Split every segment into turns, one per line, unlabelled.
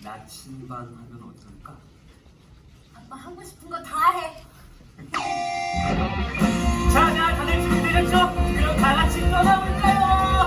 나침반 하면 어떨까?
아빠 하고 싶은 거 다 해.
자, 다들 준비되셨죠? 그럼 다 같이 떠나볼까요?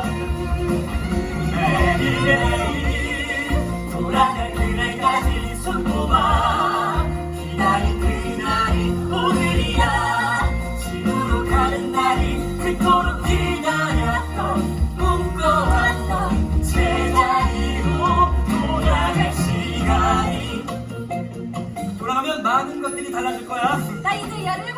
매일매일 돌아갈 그날까지 손꼽아 기다린 그날이 오늘이야. 집으로 가는 날이 그토록 기다렸던 꿈꿔왔던 제자리로 돌아갈 시간이. 돌아가면 많은 것들이 달라질 거야.
나 이제 열을